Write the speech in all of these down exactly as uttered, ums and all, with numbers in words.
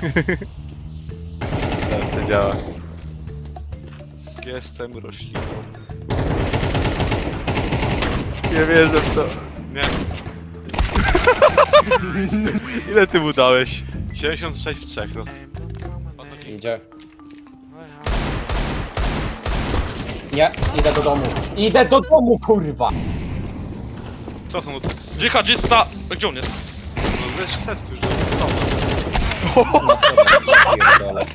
Tam się działa. Jestem rośliną. Nie wierzę w to. Nie. Ile ty mu dałeś? siedemdziesiąt sześć w trzech, no. Idzie. Nie, idę do domu. Idę do domu, kurwa! Co są? Dżihadzista! Gdzie on jest? No wiesz, szedł już do Na schodach, pierdolę.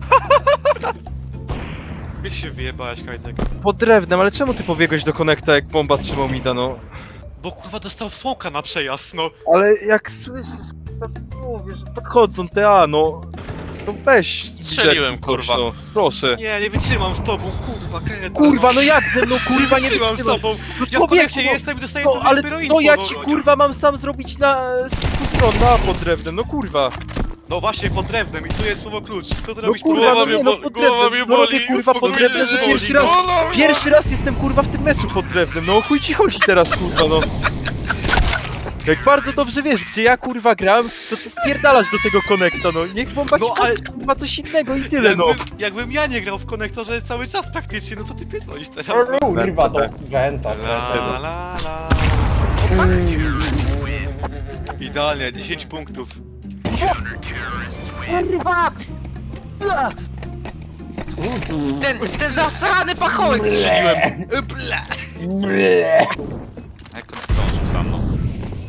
Gdzie się wyjebałeś, Kajtek? Pod drewnem, ale czemu ty pobiegłeś do konekta, jak bomba trzymał mida, no? Bo kurwa dostał smoka na przejazd, no. Ale jak słyszysz, mówię, że podchodzą te A, no... To weź... Strzeliłem, coś, kurwa. No. Proszę. Nie, nie wytrzymam z tobą, kurwa, Kajtek. Kurwa, no jak ze mną, kurwa, nie wytrzymam z wytrzymam. tobą. No Ja w konekcie człowieku, no- jestem i dostaję No, to ale dopiero to info, jaki no. kurwa mam sam zrobić na... z kilku stron, na pod drewnem, no kurwa. No właśnie, pod drewnem i tu jest słowo klucz. Co ty No robisz? kurwa, Głowa no mnie nie, no boli, pod głowa drewnem, mnie no robię boli, kurwa pod uspokój drewnem, się, że boli. pierwszy raz... Bola mnie. Pierwszy raz jestem kurwa w tym meczu pod drewnem, no o chuj ci chodzi teraz kurwa, no. Jak bardzo dobrze wiesz, gdzie ja kurwa gram, to ty spierdalasz do tego konekta, no. Niech bomba No, ci ale- ale... kurwa coś innego i tyle, no. Jakbym, jakbym ja nie grał w konektorze cały czas praktycznie, no co ty pierdolisz teraz? Kurwa, do wenta, La wenta. la la. Idealnie, dziesięć punktów. Ten, ten zasrany pachołek strzeliłem! Bla. Jak on zdążył za mną?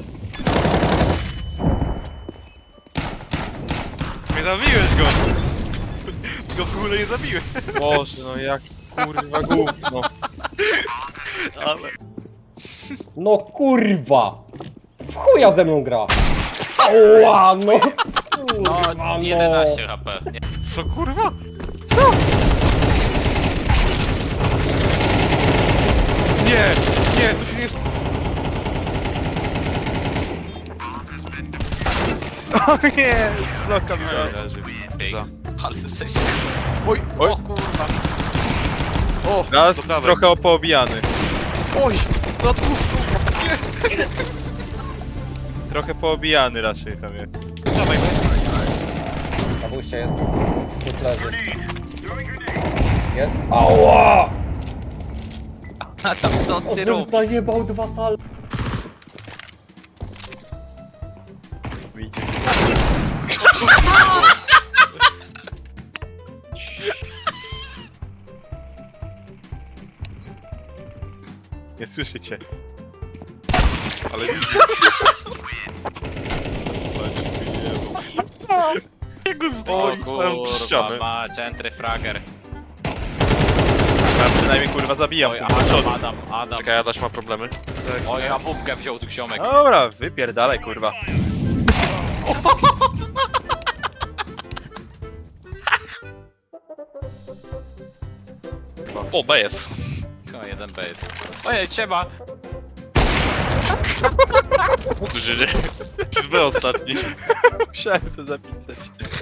Nie zabiłeś go! Go w ogóle nie zabiłeś. Boże, no jak kurwa gówno. Ale... No kurwa! W chuja ze mną gra! Ała, no! Kurwa, No, no! jedenaście H P. Nie. Co kurwa? Nie, nie, to się nie... s- O nie, bloka mi dał. Ej, Za. ale jesteś... Oj, Oj. O kurwa. o, Raz do prawej. trochę opoobijany. Oj, nad główką. Trochę poobijany raczej tam jest. Dawaj, Na buście jest. Tu leży. Nie? Ała! A tam co ty Osiem robisz? zajebał dwa sal. Wyjdzie. Nie słyszycie. ale widzisz. Jego O, zdjąłem kurwa, ścianę. mać, entry fragger. Ja przynajmniej kurwa zabijam. Oj, kurwa, Adam, przodu. Adam, Adam. Czekaj, Adaś ma problemy. Oj, a bubkę wziął tu ziomek. Dobra, wypierdalaj kurwa. O, B jest. O, jeden B jest. Ojej, trzeba. Co tu się dzieje? Z B ostatni. Musiałem to zapisać.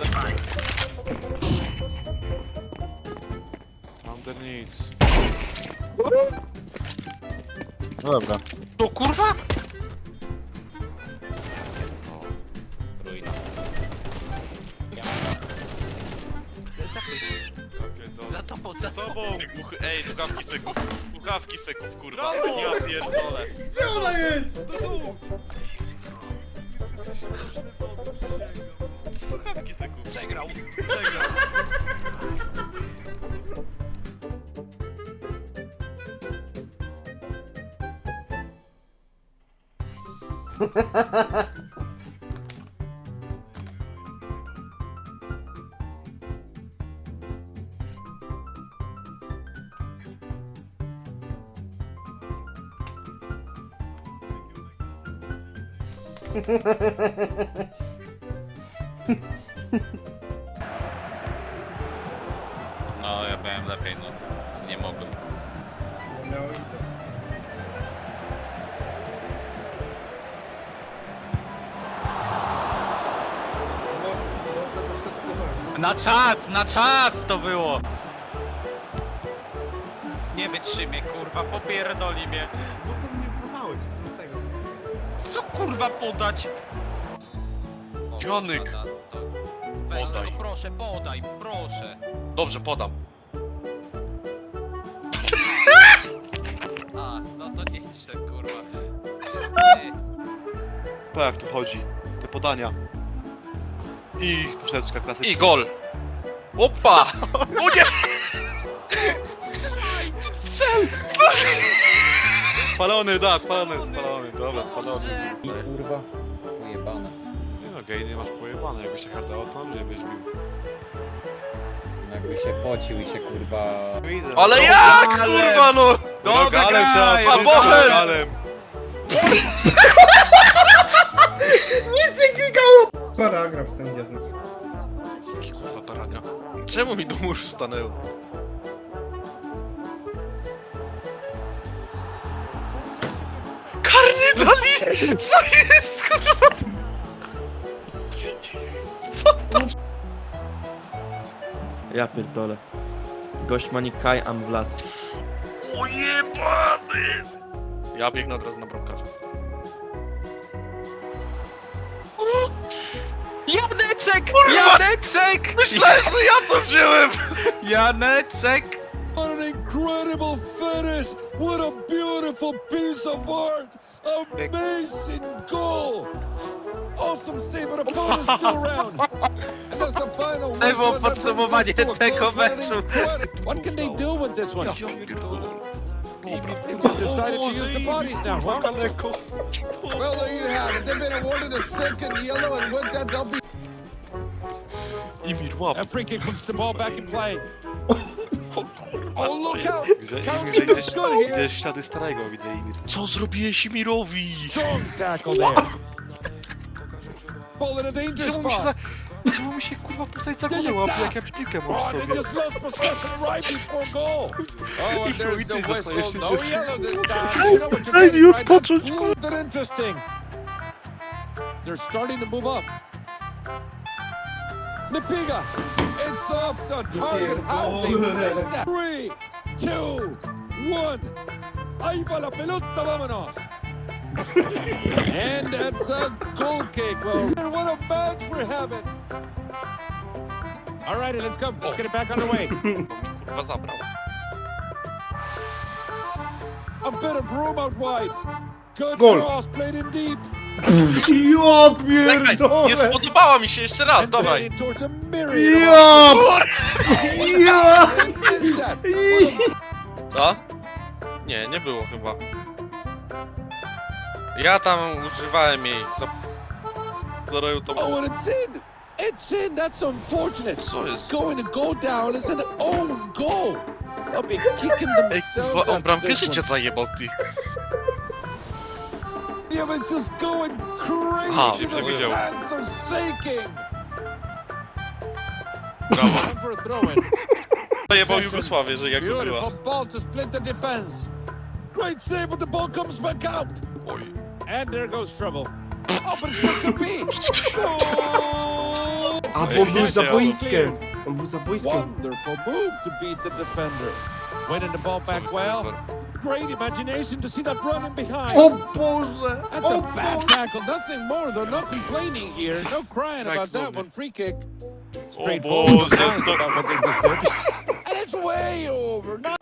Underneath. No dobra. To kurwa? Ruina. Za tobą, za tobą. Tobą! Ty głuchy, ej, słuchawki seków. Słuchawki seków, kurwa. Brawo! Ja pierdolę. Gdzie ona jest? Słuchawki seków. Przegrał. Przegrał. No, ja byłem lepiej, no. Nie mogłem. Na czas, na czas to było! Nie wytrzymie, kurwa, popierdoli mnie. No to mnie podałeś, do tego. Co kurwa podać? Jonik. O, to- to- weź Podaj. tego, proszę, podaj, proszę. Dobrze, podam. A, no to nie idź tak, kurwa. Ty, Pa, jak to chodzi? Te podania. I troszeczkę klasyczna. I gol! Opa! O nie! Spalony, da, spalony, spalony, dobra, spalony. I kurwa. Ujebane. Nie no, gej, nie masz pojebane, jakbyś się hardało, to mnie byś bił. Jakby się pocił i się kurwa... Ale jak, kurwa, no! Dobra, Rogalem trzeba, graj! A, Bochen! rogalem. Paragraf sędzia zna. Jaki kurwa paragraf? Czemu mi do muru stanęło? Karny dali! Co jest, kurwa? Ja pierdolę. Gość Manik High, am Vlad. Ujebany! Ja biegnę od razu na bramkarza. Janeczek! Janeczek! Myślałem, że ja to wziąłem! Janeczek! What an incredible finish! What a beautiful piece of art! Amazing goal! Awesome save, but opponents still around. And that's the final To było whistle, and that podsumowanie brings us to a tego close one. meczu. Incredible. What can they do with this one? They just decided to use the bodies now, huh? Well, there you have it. They've been awarded a second yellow, and with that, they'll be. Imir, łap! That free kick puts the ball back in play. O kurwa, Oh, co look jest? out! Widzę, Counting Imir, looks widzisz, good here. widzisz ślady starego, widzę Imir. Co zrobiłeś Imirowi? Strong tackle there. Ball in a danger Czemu mi się spot. za... Czemu mi się kurwa postać za głowę łapie, jak ja piłkę mam w Oh, they sobie? just lost possession right before goal. Oh, and there's the Chuj, ty whistle. dostajesz No się yellow this time. You know what you're getting, right? That's smooth and interesting. They're starting to move up. Nipiga. It's off the target. How they missed that. Three, two, one. Ahí va la pelota, vámonos. And that's a goal kick. Well, what a match we're having. All righty, let's go. Let's get it back underway. Bo mi kurwa zabrał. A bit of room out wide. Good Goal. cross, played in deep. Ja Czekaj, nie pierdolę! spodobała mi się jeszcze raz, And dawaj! played towards a myriad Ja! of Ja! and missed that. Co? Nie, nie było chyba. Ja tam używałem jej. Co? Zaroju to Oh, było. and it's in. It's in. That's unfortunate. Co It's jest? going to go down. It's an own goal. They'll be kicking Ej, themselves kurwa, on after bramkę this życia one. zajebał, ty. Yeah, but it's just going Aha, crazy. The nie widział. stands are shaking. Brawo. Time for a throw-in. Zajebał Jugosławię, że jak to była. Beautiful ball to split the defense. Great save, but the ball comes back out. Oj. And there goes trouble. Oh, but it's not to be. Goal! A bo był za boiskiem. On był za boiskiem. Wonderful move to beat the defender. Winning the ball back well. Great imagination to see that run in behind. O Boże! That's O a bad Boże! tackle. Nothing more. They're not complaining here. No crying about that one. Free kick. Straightforward. Boże, No signs to- about what they just did. And it's way over. Not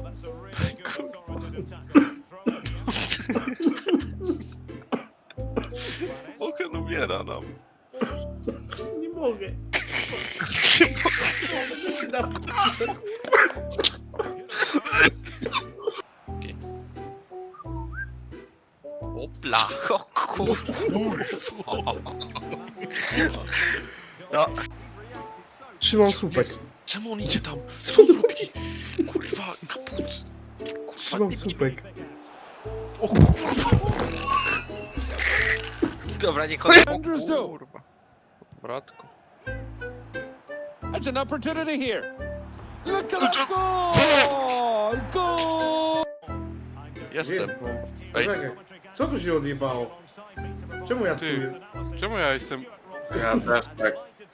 Bochen umiera nam. Nie mogę. Opla. O kurwa. Trzymam słupek. Czemu on idzie tam? Co on robi? Kurwa, kapuc. Trzymam słupek. Dobra, nie chodź. defenders do. Kurwa. Bratku. That's an opportunity here. Look at that goal! Goal! Jestem. Jest bomb. Ej. Poczekaj. Co tu się odjebało? Czemu ja tu Ty. jestem? Czemu ja jestem... Ja też tak.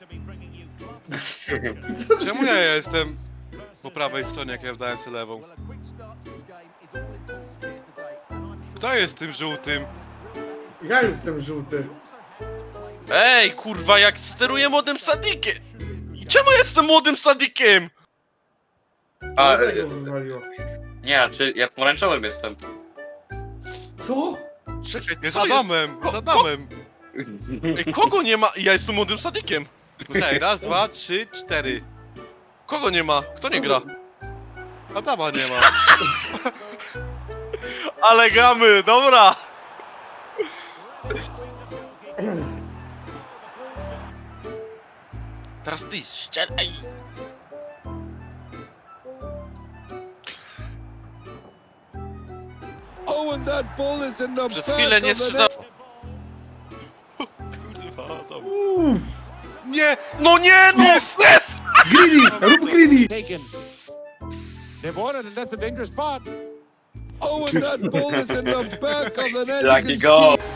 Czemu ja jestem po prawej stronie, jak ja wdałem sobie lewą? Kto jest tym żółtym? Ja jestem żółty. Ej, kurwa, jak steruję młodym Sadikiem! Czemu jestem młodym sadikiem? A, Dlatego wywaliło. nie, czy ja pomarańczowym jestem. Co? Czekaj, Nie z co jest? Adamem, z Adamem. Ej, kogo nie ma? Ja jestem młodym sadikiem. Poczekaj, raz, dwa, trzy, cztery. Kogo nie ma? Kto nie gra? Adama nie ma. Ale gramy, dobra! Teraz ty, strzelaj! Oh, and that ball is in the Przez back chwilę of nie the strzelał. net. Kurwa, Adam. Uuu, Nie! No nie, no! Yes! greedy! Rób greedy! Taken. They've won it, and that's a dangerous spot. Oh, and that ball is in the back of the net. You Lucky can goal. see-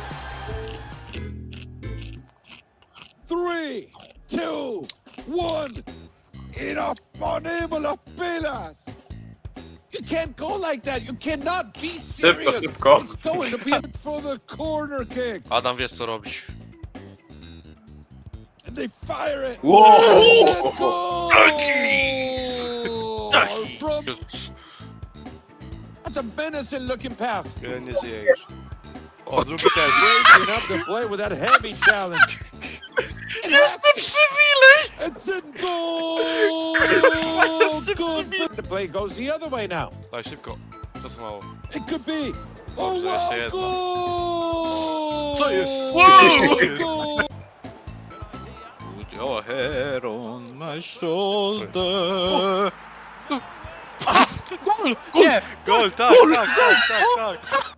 Three, two, one. Inaponable las pilas. You can't go like that. You cannot be serious. szybko. It's going to be for the corner kick. Adam, wiesz co robić. And they fire it. Whoa! And goal! Taki. From that's a menacing looking pass. Ja nie żyję już. O, drugi też. Breaking up the play with that heavy challenge. Jestem przywilej! It's in goal! Good. The play goes the other way now. Daj, szybko. Czasu mało. It could be. Oh Dobrze, wow! jeszcze jedno. Goal! Co jest? Wow! Goal! Put your hair on my shoulder. Gol! Nie! Gol, tak, tak, tak, tak, tak.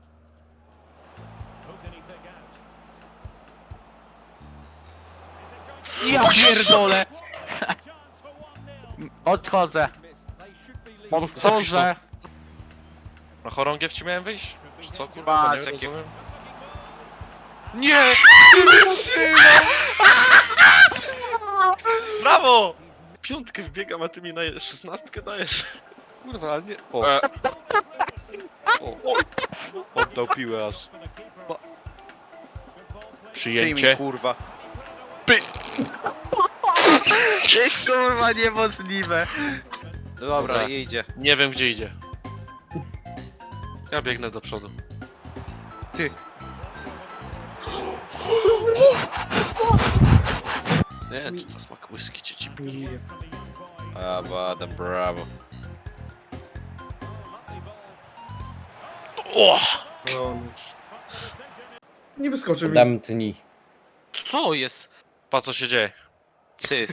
Ja pierdolę! Odchodzę. Odchodzę. Na chorągiew ci miałem wyjść? Czy co, kurwa? Patrz, Nie jakie- rozumiem. Nie! Nie wytrzymam! Brawo! Piątkę wbiegam, a ty mi na szesnastkę dajesz. Kurwa, ale nie... O. E. O, o. Oddał piłę aż. Przyjęcie. kurwa. Py. Kurwa, niemożliwe. Dobra, Dobra. idzie. Nie wiem gdzie idzie. Ja biegnę do przodu. Ty. Nie wiem, czy to smak whisky czy ci Brawo, Adam, brawo. O! No, no. Nie wyskoczył mi. Dam tni. Co jest? Pa co się dzieje? Ty.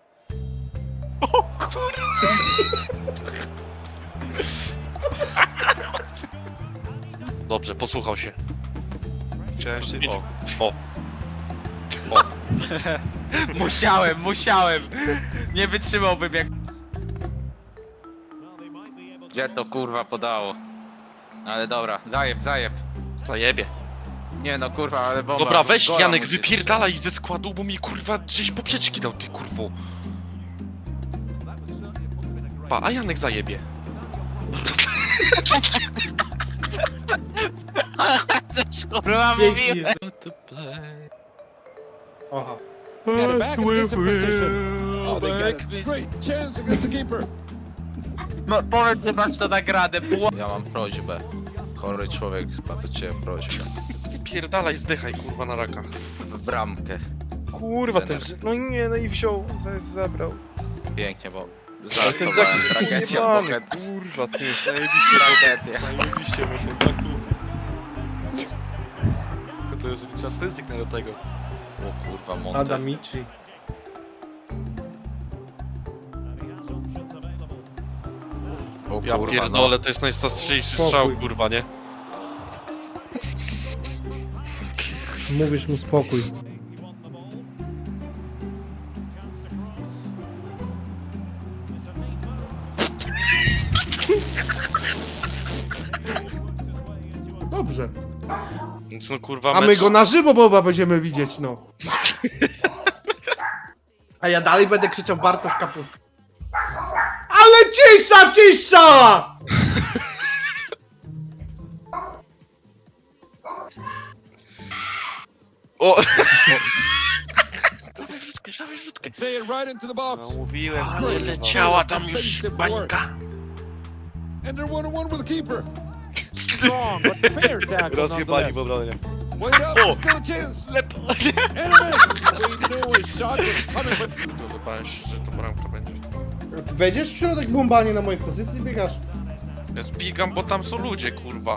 Dobrze, posłuchał się. Chciałem się... O. O. Musiałem, musiałem. Nie wytrzymałbym jak... Gdzie to kurwa podało? Ale dobra, zajeb, zajeb. Zajebie. Nie no kurwa, ale bomba. Dobra, weź gola Janek, musisz. wypierdalaj ze składu, bo mi kurwa gdzieś poprzeczki dał, ty kurwo. Pa, a Janek zajebie. Coś kurwa Pięknie mówiłem. jest. Aha. Get it back in decent position. Oh, they get it. Great chance against the keeper. No, powiedz, że masz to nagradę. Ja mam prośbę. Chory człowiek ma do ciebie prośbę. Spierdalaj, zdychaj kurwa na raka. W bramkę. Kurwa, ten- No nie, no i wziął. Zaraz zabrał. Pięknie, bo Ten zaakowałem zakres tragedią, ujebany, bohet. kurwa, ty. Zajebiście, Tragedia. zajebiście, bo ten taku... To już trzeba statystyk do tego. O kurwa, Monte. Adamici. O Ja kurwa, pierdolę, to jest najstastrzejszy Spokój. strzał kurwa, nie? Mówisz mu spokój. Dobrze. Więc no kurwa A my mecz... go na żywo boba będziemy widzieć, no. A ja dalej będę krzyczał Bartosz Kapustka. Ale cisza, cisza! O! dawaj rzutkę. Play it right into the No box. mówiłem, Ale kurwa. leciała tam już bańka. And they're one on one with the keeper. Strong, but fair tackle Rozjebali w nonetheless. obronie. Wait up, O! he's got a chance. Lepo. And a miss. He knew his shot was coming, but To wydaje się, że to bramka będzie. Ty wejdziesz w środek bombanie na mojej pozycji, biegasz? Ja zbiegam, bo tam są ludzie, kurwa.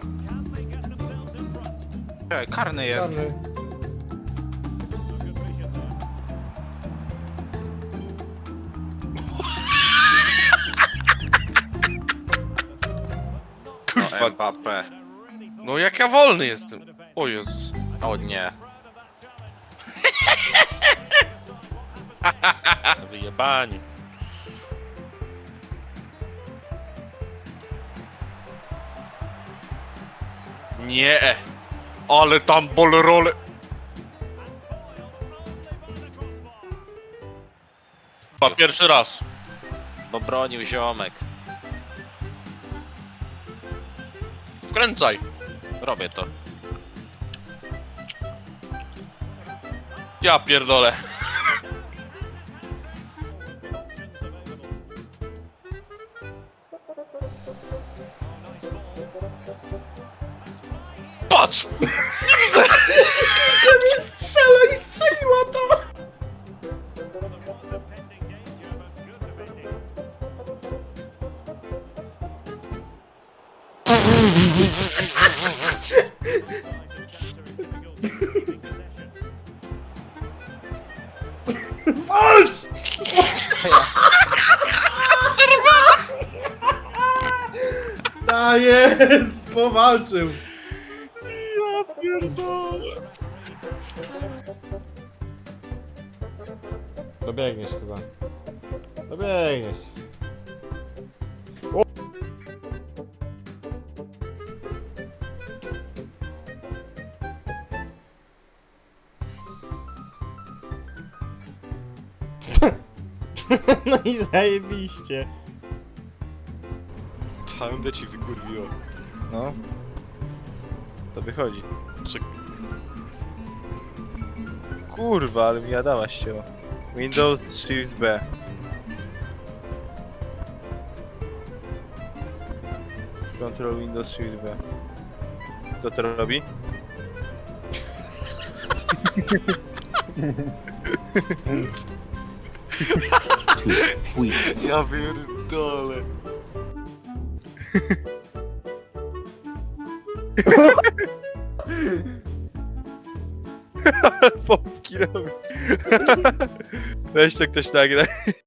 Czekaj, karny jest. Karny. O, Mbappé. No jak ja wolny jestem. O Jezus. O nie. Wyjebani. Nie. Ale tam bolrole. Chyba pierwszy raz. Bo bronił ziomek. Wkręcaj. Robię to. Ja pierdolę. Patrz! Nie strzela i strzeliła to! Walcz! Ta jest! Powalczył! Ja pierdolę. Dobiegniesz chyba. Dobiegniesz. No i zajebiście. Całym ci wykurwiło. No. To wychodzi. Czy- Kurwa, ale mi Adama ścięło. Windows Shift B. Control Windows Shift B. Co to robi? Ja pierdolę. Pompki robi. Weź to ktoś nagra.